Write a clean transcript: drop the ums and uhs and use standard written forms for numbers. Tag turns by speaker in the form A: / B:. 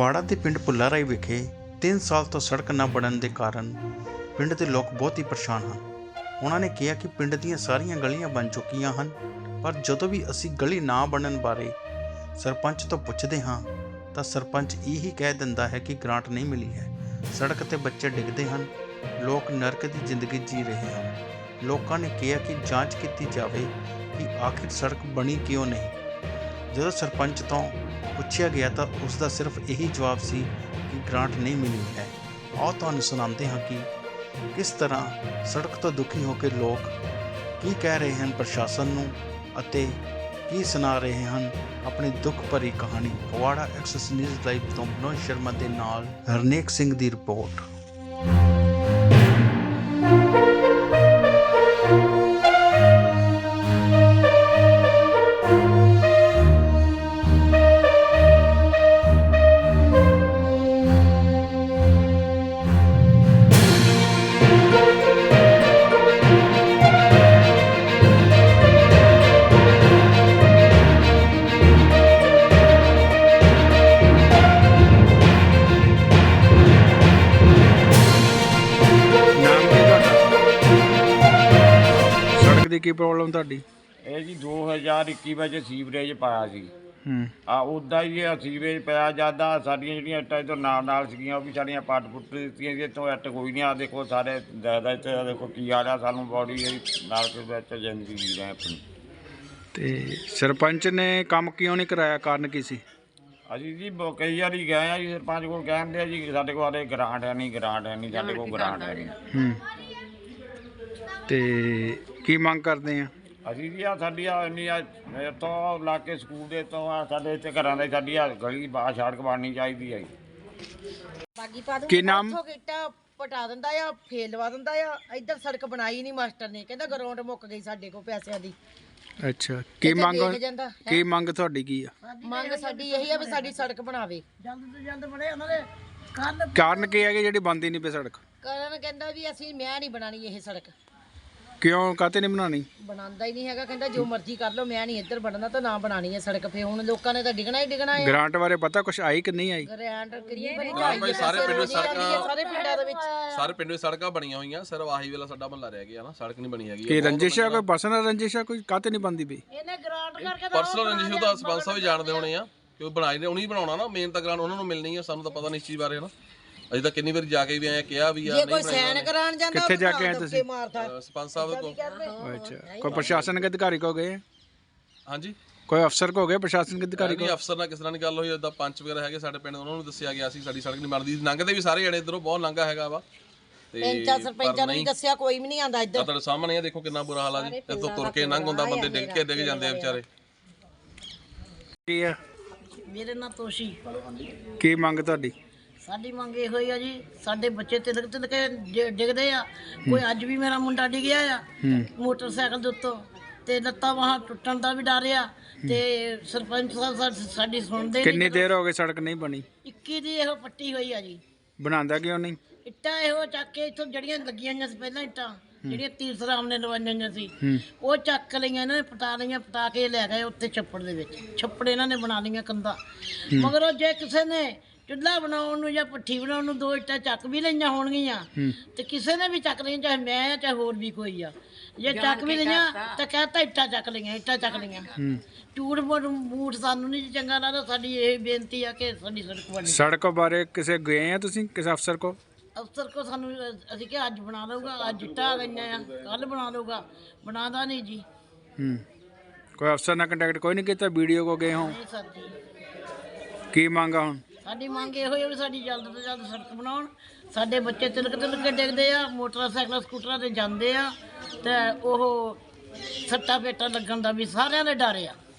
A: ਫਗਵਾੜਾ ਦੇ ਪਿੰਡ ਭੁੱਲਾ ਰਾਈ ਵਿਖੇ 3 ਸਾਲ ਤੋਂ ਸੜਕ ਨਾ ਬਣਨ ਦੇ ਕਾਰਨ ਪਿੰਡ ਦੇ ਲੋਕ ਬਹੁਤ ਹੀ ਪਰੇਸ਼ਾਨ ਹਨ। ਉਹਨਾਂ ਨੇ ਕਿਹਾ ਕਿ ਪਿੰਡ ਦੀਆਂ ਸਾਰੀਆਂ ਗਲੀਆਂ ਬਣ ਚੁੱਕੀਆਂ ਹਨ, ਪਰ ਜਦੋਂ ਵੀ ਅਸੀਂ ਗਲੀ ਨਾ ਬਣਨ ਬਾਰੇ ਸਰਪੰਚ ਤੋਂ ਪੁੱਛਦੇ ਹਾਂ ਤਾਂ ਸਰਪੰਚ ਇਹੀ ਕਹਿ ਦਿੰਦਾ ਹੈ ਕਿ ਗ੍ਰਾਂਟ ਨਹੀਂ ਮਿਲੀ ਹੈ। ਸੜਕ 'ਤੇ ਬੱਚੇ ਡਿੱਗਦੇ ਹਨ, ਲੋਕ ਨਰਕ ਦੀ ਜ਼ਿੰਦਗੀ ਜੀ ਰਹੇ ਹਨ। ਲੋਕਾਂ ਨੇ ਕਿਹਾ ਕਿ ਜਾਂਚ ਕੀਤੀ ਜਾਵੇ ਕਿ ਆਖਿਰ ਸੜਕ ਬਣੀ ਕਿਉਂ ਨਹੀਂ। ਜਦੋਂ ਸਰਪੰਚ ਤੋਂ ਪੁੱਛਿਆ ਗਿਆ ਤਾਂ ਉਸ ਦਾ ਸਿਰਫ ਇਹੀ ਜਵਾਬ ਸੀ ਕਿ ਗ੍ਰਾਂਟ ਨਹੀਂ ਮਿਲੀ ਹੈ। ਆਓ ਤੁਹਾਨੂੰ ਸੁਣਾਉਂਦੇ ਹਾਂ ਕਿ ਕਿਸ ਤਰ੍ਹਾਂ ਸੜਕ ਤੋਂ ਦੁਖੀ ਹੋ ਕੇ ਲੋਕ ਕੀ ਕਹਿ ਰਹੇ ਹਨ ਪ੍ਰਸ਼ਾਸਨ ਨੂੰ ਅਤੇ ਕੀ ਸੁਣਾ ਰਹੇ ਹਨ ਆਪਣੀ ਦੁੱਖ ਭਰੀ ਕਹਾਣੀ। ਫਗਵਾੜਾ ਐਕਸੈਸ ਨਿਊਜ਼ ਲਾਈਵ ਤੋਂ ਮਨੋਜ ਸ਼ਰਮਾ ਦੇ ਨਾਲ ਹਰਨੇਕ ਸਿੰਘ ਦੀ ਰਿਪੋਰਟ। ਦੀ ਕੀ ਪ੍ਰੋਬਲਮ ਤੁਹਾਡੀ?
B: ਇਹ ਜੀ 2021 ਵਿੱਚ ਸੀਵਰੇਜ ਪਾਇਆ ਸੀ। ਉੱਦਾਂ ਹੀ ਇਹ ਸੀਵਰੇਜ ਪਿਆ ਜਾਂਦਾ ਸਾਡੀਆਂ ਜਿਹੜੀਆਂ ਇੱਟਾਂ ਇੱਧਰ ਨਾਲ ਸੀਗੀਆਂ ਉਹ ਵੀ ਸਾਡੀਆਂ ਪੱਟ ਪੁੱਟ ਦਿੱਤੀਆਂ ਸੀ। ਇੱਥੋਂ ਇੱਟ ਕੋਈ ਨਹੀਂ। ਆ ਦੇਖੋ ਸਾਰੇ ਜ਼ਿਆਦਾ ਇੱਥੇ ਦੇਖੋ ਕੀ ਆ ਰਿਹਾ ਸਾਨੂੰ ਬੋਡੀ ਨਾਲ ਕੇ ਵਿੱਚ ਜ਼ਿੰਦਗੀ ਜੀ ਰਹੇ ਆਪਣੀ।
A: ਤੇ ਸਰਪੰਚ ਨੇ ਕੰਮ ਕਿਉਂ ਨਹੀਂ ਕਰਾਇਆ? ਕਾਰਨ ਕੀ ਸੀ?
B: ਅਸੀਂ ਜੀ ਕਈ ਵਾਰੀ ਗਏ ਆ ਜੀ ਸਰਪੰਚ ਕੋਲ, ਕਹਿੰਦੇ ਆ ਜੀ ਸਾਡੇ ਕੋਲ ਆਲੇ ਗ੍ਰਾਂਟ ਹੈ ਨਹੀਂ, ਗ੍ਰਾਂਟ ਹੈ ਨਹੀਂ, ਸਾਡੇ ਕੋਲ ਗ੍ਰਾਂਟ ਹੈ ਨਹੀਂ।
A: ਤੇ ਕੀ ਮੰਗ ਕਰਦੇ ਆ?
B: ਅਸੀਂ ਜੀ ਆ ਸਾਡੀ ਆ ਇੰਨੀ ਆ ਤੋਂ ਲਾ ਕੇ ਸਕੂਲ ਦੇ ਤੋਂ ਆ ਸਾਡੇ ਇੱਥੇ ਘਰਾਂ ਦੇ ਸਾਡੀ ਆ ਗਲੀ ਬਾਹਰ ਸੜਕ ਬਣਨੀ ਚਾਹੀਦੀ ਹੈ।
A: ਕੀ ਨਾਮ?
C: ਇੱਟਾਂ ਪਟਾ ਦਿੰਦਾ ਆ, ਫੇਲ ਲਵਾ ਦਿੰਦਾ ਆ। ਇੱਧਰ ਸੜਕ ਬਣਾਈ ਨਹੀਂ ਮਾਸਟਰ ਨੇ, ਕਹਿੰਦਾ ਗਰਾਊਂਡ ਮੁੱਕ ਗਈ ਸਾਡੇ ਕੋਲ ਪੈਸਿਆਂ ਦੀ।
A: ਅੱਛਾ, ਕੀ ਮੰਗ ਤੁਹਾਡੀ ਕੀ ਆ?
C: ਮੰਗ ਸਾਡੀ ਇਹੀ ਆ ਵੀ ਸਾਡੀ ਸੜਕ ਬਣਾਵੇ ਜਲਦ ਤੋਂ ਜਲਦ ਬਣੇ। ਉਹਨਾਂ ਦੇ
A: ਕਾਰਨ ਕੀ ਹੈ ਕਿ ਜਿਹੜੀ ਬਣਦੀ ਨਹੀਂ ਪਈ ਸੜਕ?
C: ਕਾਰਨ ਕਹਿੰਦਾ ਵੀ ਮੈਂ ਨਹੀਂ ਬਣਾਣੀ ਇਹ ਸੜਕ।
A: ਕਿਉਂ ਕਾਹਤੇ ਨਹੀਂ ਬਣਾਣੀ?
C: ਬਣਾਉਂਦਾ ਹੀ ਨਹੀਂ ਹੈਗਾ, ਕਹਿੰਦਾ ਜੋ ਮਰਜ਼ੀ ਕਰ ਲਓ, ਮੈਂ ਨਹੀਂ ਇੱਧਰ ਬਣਨਾ ਤਾਂ ਨਾ ਬਣਾਣੀ ਹੈ ਸੜਕ। ਫੇ ਹੁਣ ਲੋਕਾਂ ਨੇ ਤਾਂ ਡਿੱਗਣਾ ਹੀ ਡਿੱਗਣਾ ਹੈ।
A: ਗ੍ਰਾਂਟ ਬਾਰੇ ਪਤਾ ਕੁਛ ਆਈ ਕਿ ਨਹੀਂ ਆਈ?
C: ਗ੍ਰਾਂਟ ਕਿੰਨੀ ਬਣੀ
D: ਭਾਈ ਸਾਰੇ ਪਿੰਡ ਵਿੱਚ ਸੜਕਾਂ,
C: ਸਾਰੇ ਪਿੰਡਾਂ ਦੇ ਵਿੱਚ
D: ਸਾਰੇ ਪਿੰਡ ਵਿੱਚ ਸੜਕਾਂ ਬਣੀਆਂ ਹੋਈਆਂ, ਸਿਰਫ ਆਹੀ ਵੇਲਾ ਸਾਡਾ ਮਹੱਲਾ ਰਹਿ ਗਿਆ ਨਾ, ਸੜਕ ਨਹੀਂ ਬਣੀ ਹੈਗੀ।
A: ਕੀ ਰੰਜਿਸ਼ ਹੈ? ਕੋਈ ਪਰਸਨਲ ਰੰਜਿਸ਼ ਹੈ? ਕੋਈ ਕਾਹਤੇ ਨਹੀਂ ਬਣਦੀ ਪਈ?
C: ਇਹਨੇ ਗ੍ਰਾਂਟ ਕਰਕੇ
D: ਪਰਸਨਲ ਰੰਜਿਸ਼ ਉਹਦਾ ਸਰਪੰਚ ਸਾਹਿਬ ਵੀ ਜਾਣਦੇ ਹੋਣੇ ਆ ਕਿ ਉਹ ਬਣਾਈ ਨੇ, ਉਹਨੇ ਹੀ ਬਣਾਉਣਾ ਨਾ। ਮੇਨ ਤਾਂ ਗ੍ਰਾਂਟ ਉਹਨਾਂ ਨੂੰ ਮਿਲਣੀ ਆ, ਸਾਨੂੰ ਤਾਂ ਪਤਾ ਨਹੀਂ ਇਸ ਚੀਜ਼ ਬਾਰੇ ਨਾ। ਅਸੀਂ ਤਾਂ ਕਿੰਨੀ ਵਾਰੀ ਜਾ ਕੇ ਵੀ ਆਏ, ਕਿਹਾ ਵੀ ਆ
C: ਜੇ ਕੋਈ ਸਾਈਨ ਕਰਾਉਣ ਜਾਂਦਾ
A: ਕਿੱਥੇ ਜਾ ਕੇ ਆਏ ਤੁਸੀਂ?
D: ਸਰਪੰਚ ਸਾਹਿਬ ਕੋਲ।
A: ਅੱਛਾ, ਕੋਈ ਪ੍ਰਸ਼ਾਸਨਿਕ ਅਧਿਕਾਰੀ ਕੋ ਗਏ?
D: ਹਾਂਜੀ,
A: ਕੋਈ ਅਫਸਰ ਕੋ ਗਏ ਪ੍ਰਸ਼ਾਸਨਿਕ ਅਧਿਕਾਰੀ ਕੋ?
D: ਅਫਸਰ ਨਾਲ ਕਿਸ ਤਰ੍ਹਾਂ ਦੀ ਗੱਲ ਹੋਈ? ਉਦਾਂ ਪੰਚ ਵਗੈਰਾ ਹੈਗੇ ਸਾਡੇ ਪਿੰਡ, ਉਹਨਾਂ ਨੂੰ ਦੱਸਿਆ ਗਿਆ ਸੀ ਸਾਡੀ ਸੜਕ ਨਹੀਂ ਬਣਦੀ। ਲੰਘਦੇ ਵੀ ਸਾਰੇ ਜਣੇ ਇੱਧਰੋਂ, ਬਹੁਤ ਲੰਘਾ ਹੈਗਾ ਵਾ।
C: ਸਰਪੰਚਾਂ ਨੂੰ ਦੱਸਿਆ, ਕੋਈ ਵੀ ਨਹੀਂ ਆਂਦਾ ਇੱਧਰ।
D: ਤੁਹਾਡੇ ਸਾਹਮਣੇ ਆ, ਦੇਖੋ ਕਿੰਨਾ ਬੁਰਾ ਹਾਲ ਆ ਜੀ। ਇੱਥੋਂ ਤੁਰ ਕੇ ਲੰਘ ਹੁੰਦਾ, ਬੰਦੇ ਡਿੱਗ ਜਾਂਦੇ ਆ ਵਿਚਾਰੇ।
A: ਕੀ ਆ?
C: ਮੇਰੇ ਨਾਲ ਤੋਸ਼ੀ।
A: ਕੀ ਮੰਗ ਤੁਹਾਡੀ?
C: ਸਾਡੀ ਮੰਗ ਇਹੋ ਹੀ ਆ ਜੀ, ਸਾਡੇ ਬੱਚੇ ਤਿਲਕ ਕੇ ਡਿੱਗਦੇ ਆ। ਕੋਈ ਅੱਜ ਵੀ ਮੇਰਾ ਮੁੰਡਾ ਡਿੱਗਿਆ ਆ ਮੋਟਰਸਾਈਕਲ ਦੇ ਉੱਤੋਂ, ਤੇ ਲੱਤਾਂ ਬਾਹਾਂ ਟੁੱਟਣ ਦਾ ਵੀ ਡਰ ਆ। ਤੇ ਸਰਪੰਚ ਸਾਹਿਬ ਸਾਡੀ ਸੁਣਦੇ।
A: ਕਿੰਨੀ ਦੇਰ ਹੋ ਗਈ ਸੜਕ ਨਹੀਂ ਬਣੀ?
C: 21 ਦੀ ਇਹੋ ਪੱਟੀ ਹੋਈ ਆ ਜੀ।
A: ਬਣਾਉਂਦਾ ਕਿਉਂ ਨਹੀਂ?
C: ਇੱਟਾਂ ਇਹੋ ਚੱਕ ਕੇ ਇੱਥੋਂ ਜਿਹੜੀਆਂ ਲੱਗੀਆਂ ਹੋਈਆਂ ਸੀ ਪਹਿਲਾਂ, ਇੱਟਾਂ ਜਿਹੜੀਆਂ ਤੀਰਥ ਰਾਮ ਨੇ ਲਵਾਈਆਂ ਹੋਈਆਂ ਸੀ, ਉਹ ਚੱਕ ਲਈਆਂ ਇਹਨਾਂ ਨੇ, ਪਟਾ ਲਈਆਂ। ਪਟਾ ਕੇ ਲੈ ਗਏ ਉੱਥੇ ਛੱਪੜ ਦੇ ਵਿੱਚ। ਛੱਪੜ ਇਹਨਾਂ ਨੇ ਬਣਾ ਲਈਆਂ ਕੰਧਾਂ। ਮਗਰੋਂ ਜੇ ਕਿਸੇ ਨੇ ਚੁੱਲ੍ਹਾ ਬਣਾਉਣ ਨੂੰ ਜਾਂ ਭੱਠੀ ਬਣਾਉਣ ਨੂੰ 2 ਇੱਟਾਂ ਚੱਕ ਵੀ ਲਈਆਂ ਹੋਣਗੀਆਂ, ਤੇ ਕਿਸੇ ਨੇ ਵੀ ਚੱਕ ਲਈਆਂ, ਚਾਹੇ ਮੈਂ ਆ ਚਾਹੇ ਹੋਰ ਵੀ ਕੋਈ ਆ। ਜੇ ਚੱਕ ਵੀ ਲਈਆਂ ਤਾਂ ਕਹਿਤਾ ਇੱਟਾਂ ਚੱਕ ਲਈਆਂ, ਇੱਟਾਂ ਚੱਕ ਲਈਆਂ। ਝੂਠ ਮੂਠ ਸਾਨੂੰ ਨਹੀਂ ਚੰਗਾ ਲੱਗਦਾ। ਸਾਡੀ ਇਹ ਬੇਨਤੀ ਆ ਕਿ ਸਾਡੀ ਸੜਕ ਬਣੇ।
A: ਸੜਕ ਬਾਰੇ ਕਿਸੇ ਗਏ ਆ ਤੁਸੀਂ ਕਿਸੇ ਅਫਸਰ ਕੋ?
C: ਅਫਸਰ ਕੋ ਸਾਨੂੰ ਅਸੀਂ ਕਿ ਅੱਜ ਬਣਾ ਲਊਗਾ, ਅੱਜ ਇੱਟਾਂ ਆ ਗਈਆਂ ਆ, ਕੱਲ ਬਣਾ ਲਊਗਾ, ਬਣਾਦਾ ਨਹੀਂ ਜੀ।
A: ਕੋਈ ਅਫਸਰ ਨਾਲ ਕੰਟੈਕਟ ਕੋਈ ਨਹੀਂ ਕੀਤਾ? ਵੀਡੀਓ ਕੋ ਗਏ ਹੋ?
C: ਨਹੀਂ ਸਰ ਜੀ।
A: ਕੀ ਮੰਗਾ ਹੁਣ?
C: ਸਾਡੀ ਮੰਗ ਇਹੋ ਹੀ ਆ ਵੀ ਸਾਡੀ ਜਲਦ ਤੋਂ ਜਲਦ ਸੜਕ ਬਣਾਉਣ। ਸਾਡੇ ਬੱਚੇ ਤਿਲਕ ਕੇ ਡਿੱਗਦੇ ਆ, ਮੋਟਰਸਾਈਕਲ ਸਕੂਟਰਾਂ ਤੇ ਜਾਂਦੇ ਆ, ਤੇ ਉਹ ਸੱਟਾਂ ਪੇਟਾਂ ਲੱਗਣ ਦਾ ਵੀ ਸਾਰਿਆਂ ਦੇ ਡਰ ਆ।